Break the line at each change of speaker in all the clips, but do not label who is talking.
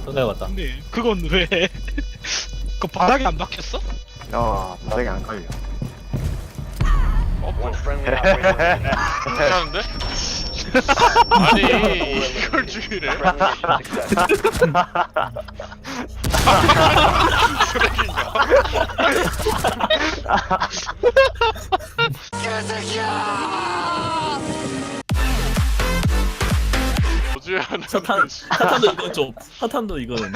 손해봤다.
근데 그건 왜? 그 바닥에 안 박혔어?
바닥에 안 깔려.
One friendly operator
하는데? 아니 이걸 죽이래?
friendly mission success.
쓰레기인가? 어찌해야 하는
사탄도 이건 좀 사탄도 이거는.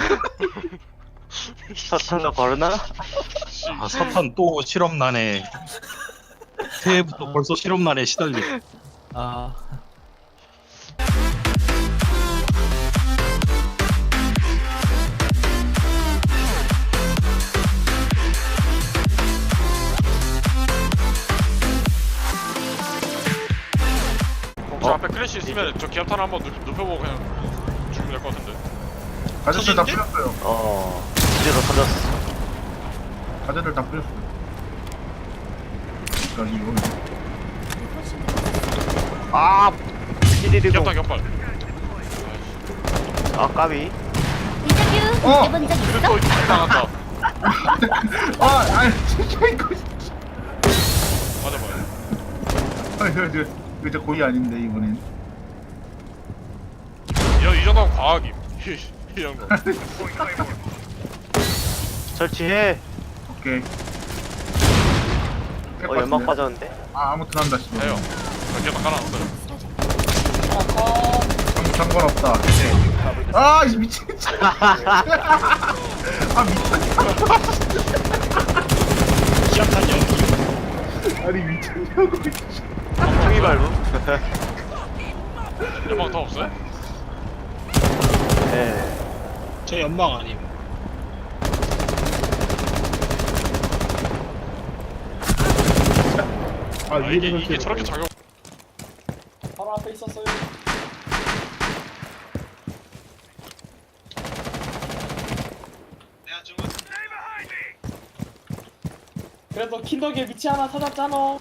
사탄도 걸으나?
아, 사탄 또 실험난에 새해부터 벌써 실험난에 시달리.
아
혹시 앞에 크래시 있으면 저 기압탄 한번 눕혀보고 그냥 죽으면 될 것 같은데.
가재들 다
터진데?
풀렸어요.
이제도 터졌어.
가재들 다 풀렸어요. 그러니까 이거
찌리리고.
기압탄 격발.
까비.
인터뷰
어!
해본 적 있어?
또 당한다.
아니 진짜 이거
맞아봐요.
이거 진짜 고의 아닌데 이번엔.
이 정도면 과학임. 이 정도.
설치해.
오케이.
연막 빠졌는데?
아무튼 한다 씨발.
해요. 기압탄 깔아놨어요.
상관없다. 이 미친.
기압탄 연기.
아니 미쳤냐고.
통이 밟음?
연막 더 없어요?
네.
저 연막 아님.
이게 저렇게 작용.
바로 앞에 있었어요. 그래도 킨덕에 위치 하나 찾았잖아.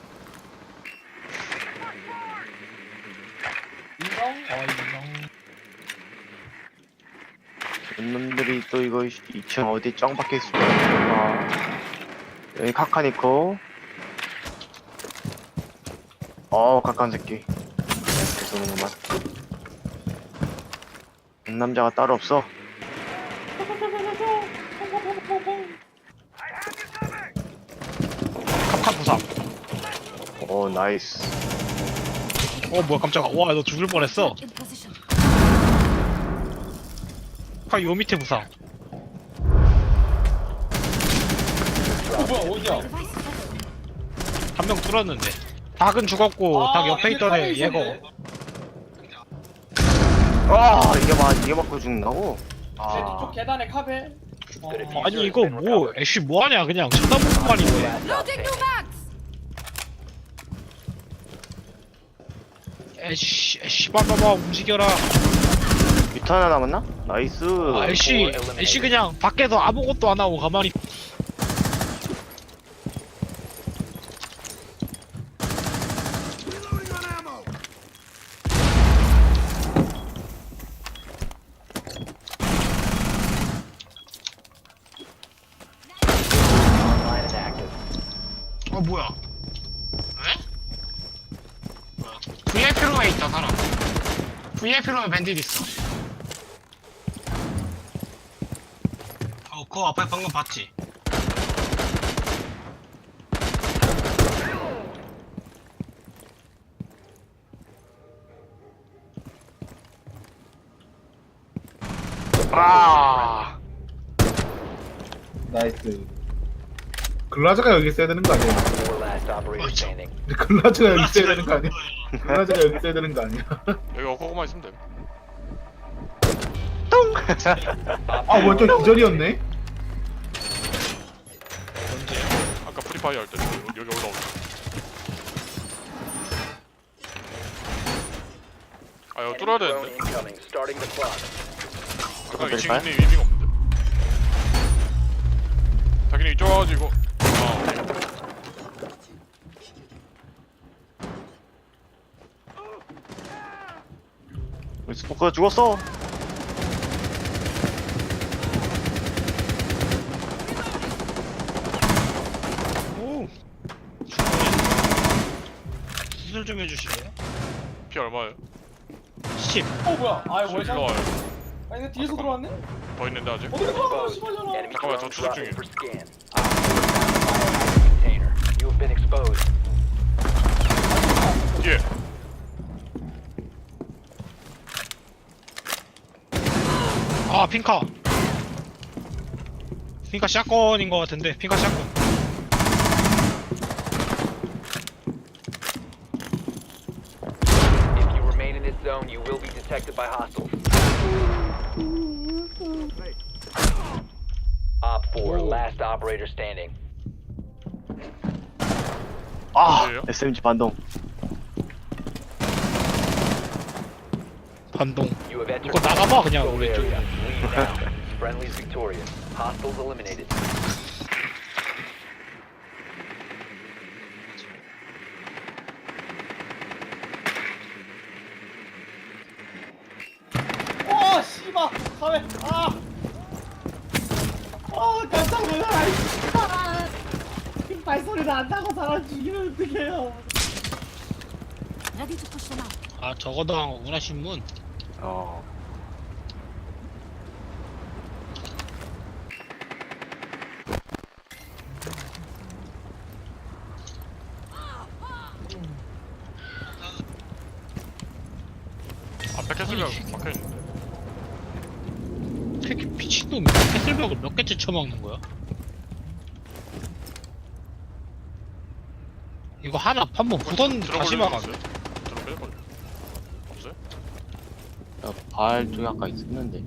인정?
놈들이 또 이거 2층 어디 짱 박혀 있을까? 여기 카칸 있고. 카칸 새끼. 쏘는구만. 남자가 따로 없어.
갑칸 부상.
나이스.
뭐야 깜짝아. 와 너 죽을 뻔했어. 요 밑에 부상.
뭐야 어디야?
한 명 뚫었는데. 닭은 죽었고 닭 옆에 있던 애 얘거.
이게 맞고 죽는다고?
쪽 계단에 카베.
아니 이거 뭐 애쉬 뭐하냐 그냥 쳐다보고만 있네. 애쉬 봐봐봐 움직여라.
밑 하나 남았나? 나이스.
애쉬 그냥 밖에서 아무것도 안 하고 가만히.
Online and active.
뭐야? 왜? 뭐야? VIP룸에 있다 사람. VIP룸에 밴딧 있어. 그거 앞에 방금 봤지?
나이스. 글라즈가 여기 있어야 되는 거 아니야?
Four last operator standing.
글라즈가 여기 있어야 되는 거 아니야? 글라즈가 여기 있어야 되는 거 아니야?
여기 어커고만 있으면 돼.
뭐야 저 기절이었네?
언제?
아까 프리파이어 할 때 여기 올라오고. 이거 뚫어야
Drone
되는데.
incoming. Starting the clock.
아까 이
될까요?
친구는 의미가 없는데. 자기는 이쪽 와가지고.
스포커 죽었어.
힐 좀 해주실래요?
피 얼마예요?
10.
뭐야 아 이거
일로
월샷
와요.
아니 이거 뒤에서 들어왔네?
더 있는데 아직?
어디 들어와
Exposed.
씨발잖아
Enemy
잠깐만, 저
drone
추적
dropping
중이에요.
for scan. Container. You have been exposed.
뒤에.
아 핑카. 핑카 샷건인 것 같은데. 핑카 샷건.
If you remain in this zone, you will be detected by hostiles. Op 4, last operator standing.
아
어디에요?
SMG 반동.
반동.
You have entered
이거 나가봐 그냥
controlled
우리 쪽.
area. Leave now. Friendly's victorious. Hostiles eliminated.
와 씨발 사회 깜짝 놀라라 이 씨발 발소리 난다고 사람 죽이면 어떡해요
Ready to push them out.
아 저거 당한 거구나 신문.
어.
앞에 캐슬벽 막혀있는데.
이렇게 미친놈이 캐슬벽을 몇 개째 쳐먹는 거야? 이거 하나 한번 부던 다시 막아.
들어 빼버려. 없어요?
발 쪽에 아까 있었는데.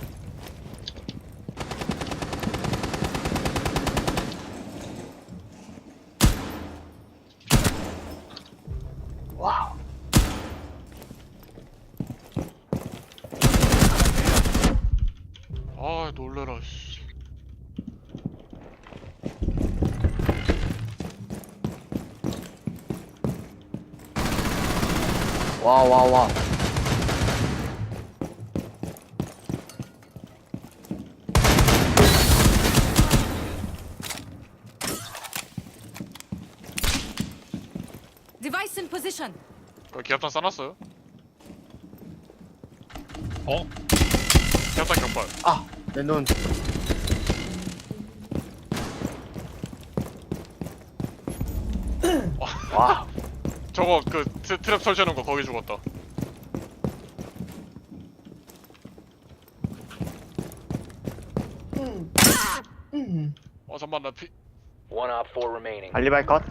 와우.
아 놀래라 씨.
와.
Device in position.
기압탄 싸놨어요?
어?
기압탄 격발.
아, 내 눈. 와.
저거 그 트랩 설치해놓은 거 거기 죽었다. 잠깐만 나 피...
One Op 4 remaining.
알리바이 컷.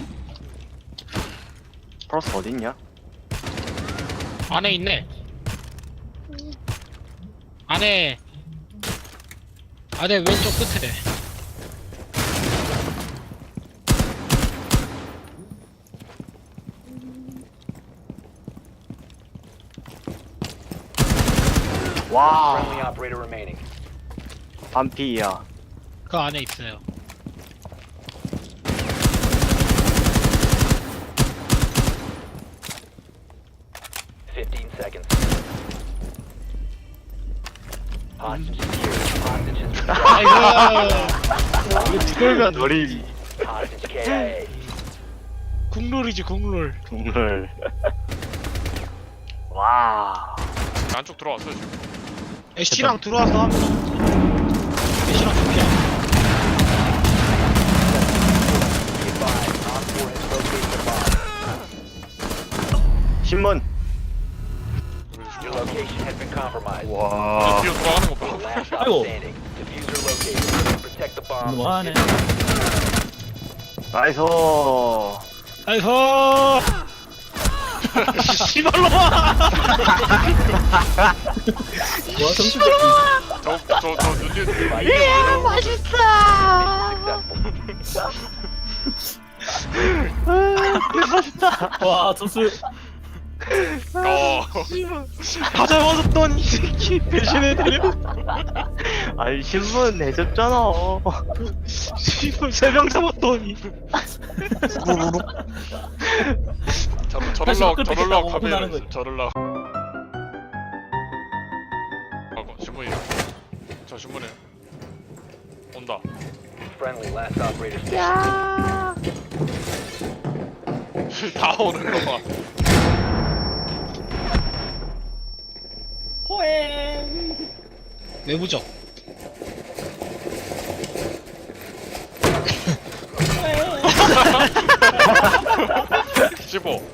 프로스 어딨냐?
안에 있네. 안에 왼쪽 끝에.
와.
Friendly operator remaining.
반피야.
그 안에 있어요.
Seconds. Hostage secured. Hostage is
아이고.
그러면 우리
hostage KIA.
국룰이지 국룰.
동물. 와.
안쪽 들어왔어요 지금.
애쉬랑 들어와서 하면 애쉬랑 두피야.
Be advised, Op 4 has located the bomb.
신문.
Your location has been compromised.
와.
뒤로 돌아가는 거 봐.
Last stop
아이고.
standing. Diffuser located. Protect the bomb.
뭐하네.
나이스.
아이고. 씨발로 와.
와 점수
저 눈이
Mission successful.
와 점수
다 잡아줬더니 이 새끼 배신해드려.
아니 신문 해줬잖아.
씨발 3명 잡았더니.
다시 밖을
저럴라
뺏겠다고
카메라
혼나는 거지.
저럴라. 하고 신문이요. 저 신문에 온다.
Friendly last operator standing.
다 오는 거 봐.
호행.
외부적.
호행.
15.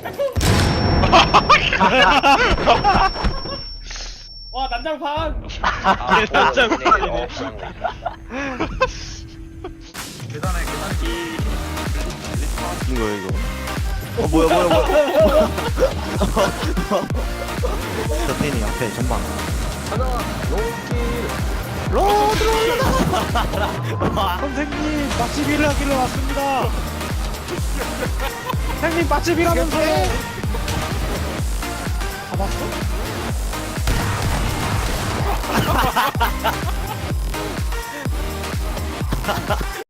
와 난장판.
Op 4 eliminated all friendlies.
이거 이거. 뭐야.
저 팬이 앞에 전방.
선생님 맛집 일을 하기로 왔습니다. 선생님 맛집 일하면서요. 잡았어?